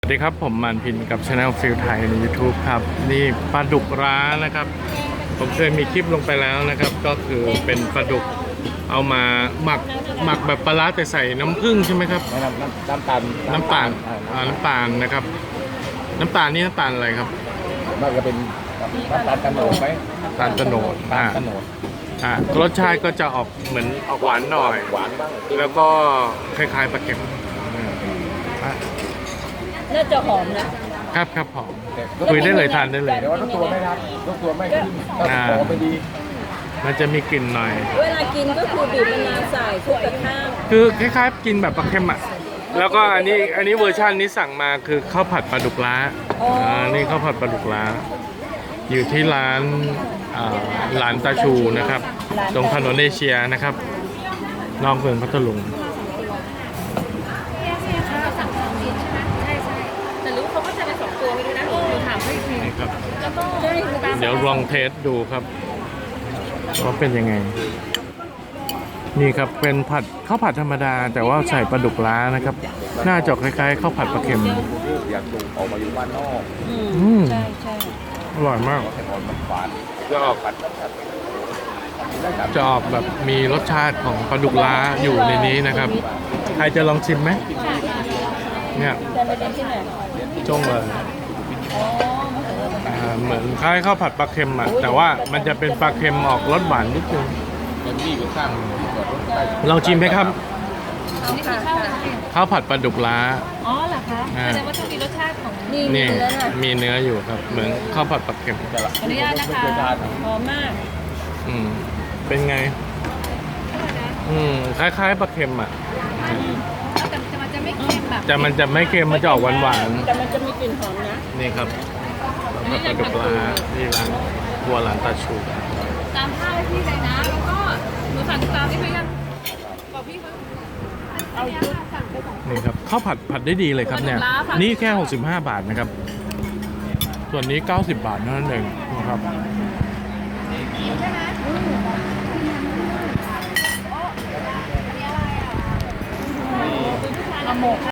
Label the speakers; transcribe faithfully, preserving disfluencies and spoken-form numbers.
Speaker 1: สวัสดีครับผมมันพินกับ Channel ฟิลไทยใน YouTube ครับนี่ปลาดุกร้านะครับผมเคยมีคลิปลงไปแล้วนะครับ ก็คือเป็นปลาดุกเอามาหมักหมักแบบปลาร้าแต่ใส่น้ำผึ้งใช่ไหมครับ
Speaker 2: น้ำน้ำน้ำตาล
Speaker 1: น้ำตาลอ่าน้ำตาลนะครับน้ำตาลนี่น้ำตาลอะไรครับ
Speaker 2: มันก็เป็นน้ำตาลกระโนดไหม
Speaker 1: น้ำตาลกระโนดอ่าก
Speaker 2: ระโนด
Speaker 1: อ่ารสชาติก็จะออกเหมือนออกหวานหน่อย
Speaker 2: หวานบ้าง
Speaker 1: แล้วก็คล้ายๆปลาเค็มอ่า
Speaker 3: น่าจะหอมนะครับ
Speaker 1: ครับหอมคุยได้เลยทานได้เลย
Speaker 2: แต่ว่าทุกตัวไม่ครับทุกตัวไม่ขึ้นต้องขอไปดี
Speaker 1: มันจะมีกลิ่นหน่อย
Speaker 3: เวลากินก็คือบีบมะนาวใส่คลุกกับข้าว
Speaker 1: คือคล้ายๆกินแบบปลาเค็มอ่ะ แล้วก็อันนี้อันนี้เวอร์ชันนี้สั่งมาคือข้าวผัดปลาดุกล้าอ่านี่ข้าวผัดปลาดุกล้า อยู่ที่ร้านอ่าร้านตาชูนะครับ ตรงถนนเอเชียนะครับ นอกเมืองพัทลุง
Speaker 3: แต่รู้เขาก็จะเป็นสองตัวไม่รู้นะหนูถามให้อีกที
Speaker 1: นี่ครับ
Speaker 3: แล้วก็
Speaker 1: เดี๋ยวลองเทสดูครับว่าเป็นยังไง นี่ครับเป็นผัดข้าวผัดธรรมดา แต่ว่าใส่ปลาดุกล้านะครับหน้าจอกคล้ายๆข้าวผัดปลาเค็ม
Speaker 2: อยากดูออกมาอยู่บ้านนอก
Speaker 1: อืม
Speaker 3: ใช่ใช่
Speaker 1: อร่อยมาก
Speaker 2: แต่ก่อนมันหวาน
Speaker 1: จะออกจะออกแบบมีรสชาติของปลาดุกล้าอยู่ในนี้นะครับ ใครจะลองชิมไหมเนี่ย
Speaker 3: จะไปเรียนที่ไหน
Speaker 1: จ้งเลย
Speaker 3: อ๋อ
Speaker 1: อ่าเหมือนคล้ายข้าวผัดปลาเค็มอ่ะแต่ว่ามันจะเป็นปลาเค็มออกรสหวานนิดนึง
Speaker 2: มันมีอยู่ข้างที่จอดรถใต้
Speaker 1: ลองชิมไหมครับ
Speaker 3: นี่คือข้าวอะไรคะ
Speaker 1: ข้าวผัดปลาดุกล้า
Speaker 3: อ๋อเหรอคะ
Speaker 1: อ่า
Speaker 3: แสดงว่าต้องมีรสชาติของนี่
Speaker 1: นี่
Speaker 3: เนื้อน่ะ
Speaker 1: มีเนื้ออยู่ครับ เหมือนข้าวผัดปลาเค็ม
Speaker 2: แต่ละ
Speaker 3: ขออนุญาตนะคะหอมมาก
Speaker 1: อืมเป็นไง อืมคล้ายๆปลาเค็มอ่ะ
Speaker 3: แต่มันจะไม่เค็มแบบ
Speaker 1: แต่มันจะไม่เค็มมันจะออกหวาน
Speaker 3: แต่มันจะมีกลิ่นหอมนะ
Speaker 1: ๆนี่ครับข้าวผัดปลาดุกล้าที่ร้านครัวร้านตาชู
Speaker 3: ตามข้าวให้พี่เลยนะ แล้วก็หนูสั่งตามที่พี่ยังบอกพี่เขาเอาชุดสั่งไปสอง
Speaker 1: นี่ครับข้าวผัดผัดได้ดีเลยครับเนี่ย นี่แค่หกสิบห้าบาทนะครับ ส่วนนี้เก้าสิบบาทเท่านั้นเองนะครับ
Speaker 3: เอาหมก